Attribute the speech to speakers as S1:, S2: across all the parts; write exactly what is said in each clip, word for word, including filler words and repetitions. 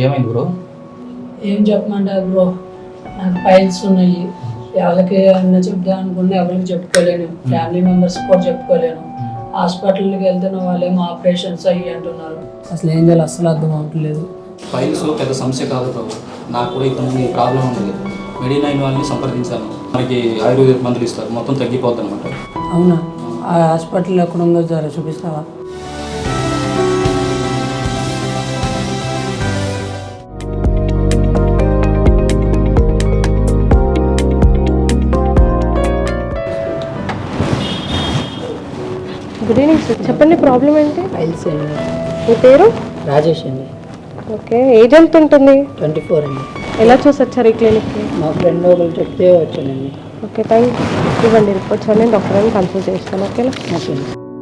S1: ఏమైంది బ్రో?
S2: ఏం చెప్పమంటారు బ్రో, నాకు ఫైల్స్ ఉన్నాయి. ఎవరికి అన్న చెప్తా అనుకున్నా ఎవరికి చెప్పుకోలేను, ఫ్యామిలీ మెంబర్స్ కూడా చెప్పుకోలేను. హాస్పిటల్కి వెళ్తున్న వాళ్ళేమో ఆపరేషన్స్ అయ్యి అంటున్నారు. అసలు ఏం చేయాలి అసలు అర్థం అవ్వట్లేదు.
S1: ఫైల్స్ పెద్ద సమస్య కాదు బాబు, నాకు కూడా ఇంతకుముందు ప్రాబ్లం ఉంది. మెడినైన్ వాళ్ళని సంప్రదించాను, మనకి ఆయుర్వేదిక మందులు ఇస్తారు, మొత్తం తగ్గిపోద్ది అనమాట.
S2: అవునా? ఆ హాస్పిటల్ ఎక్కడ ఉందో జర చూపిస్తావా?
S3: గుడ్ ఈవినింగ్ సార్, చెప్పండి ప్రాబ్లం ఏంటి?
S2: ఫైల్స్ అండి.
S3: మీ పేరు?
S2: రాజేష్ అండి.
S3: ఓకే, ఏజ్ ఎంత ఉంటుంది?
S2: ట్వంటీ ఫోర్ అండి.
S3: ఎలా చూసి వచ్చారు ఈ క్లినిక్కి?
S2: మా ఫ్రెండ్ ఒకరు చెప్తే వచ్చానండి.
S3: Okay, thank you. ఇవ్వండి రిపోర్ట్స్ అని డాక్టర్ అని కన్సల్ట్ చేస్తాను. ఓకేనా?
S2: ఓకే.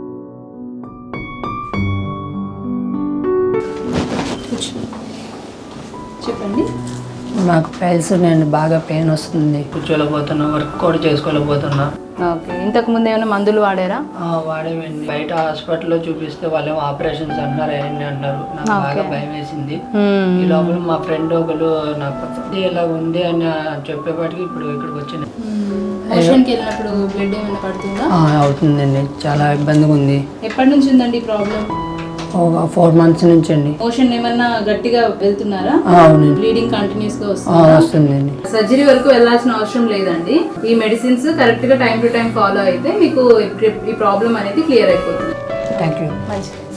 S4: చెప్పండి.
S2: నాకు ఫైల్స్ ఉన్నాయండి, బాగా పెయిన్ వస్తుంది, కూర్చోలేకపోతున్నా, వర్క్ కూడా చేసుకోలేకపోతున్నా.
S4: ఓకే, ఇంతకు ముందు ఏమైనా మందులు వాడారా?
S2: వాడేవండి. బయట హాస్పిటల్లో చూపిస్తే వాళ్ళేమో ఆపరేషన్స్ అంటున్నారు, అవన్నీ అంటారు. నాకు బాగా భయం వేసింది. ఈ లోపల మా ఫ్రెండ్ ఒకరు నాకు ఇలా ఉంది అని చెప్పేపాటికి ఇప్పుడు ఇక్కడికి వచ్చింది.
S4: మోషన్కి వెళ్ళినప్పుడు బ్లడ్ ఏమైనా పడుతుందా?
S2: అవుతుందండి, చాలా ఇబ్బందిగా ఉంది.
S4: ఎప్పటి నుంచి ఉందండి ప్రాబ్లం?
S2: ఒక ఫోర్ మంత్స్ నుంచి అండి.
S4: మోషన్ ఏమన్నా గట్టిగా వెళ్తున్నారా?
S2: అవునండి.
S4: బ్లీడింగ్ కంటిన్యూస్ గా వస్తుందా?
S2: వస్తుందండి.
S4: సర్జరీ వరకు వెళ్ళాల్సిన అవసరం లేదండి. ఈ మెడిసిన్స్ కరెక్ట్ గా టైం టు టైం ఫాలో అయితే మీకు ఈ ప్రాబ్లం అనేది క్లియర్ అయిపోతుంది.
S2: Thank you.
S4: మంచిది.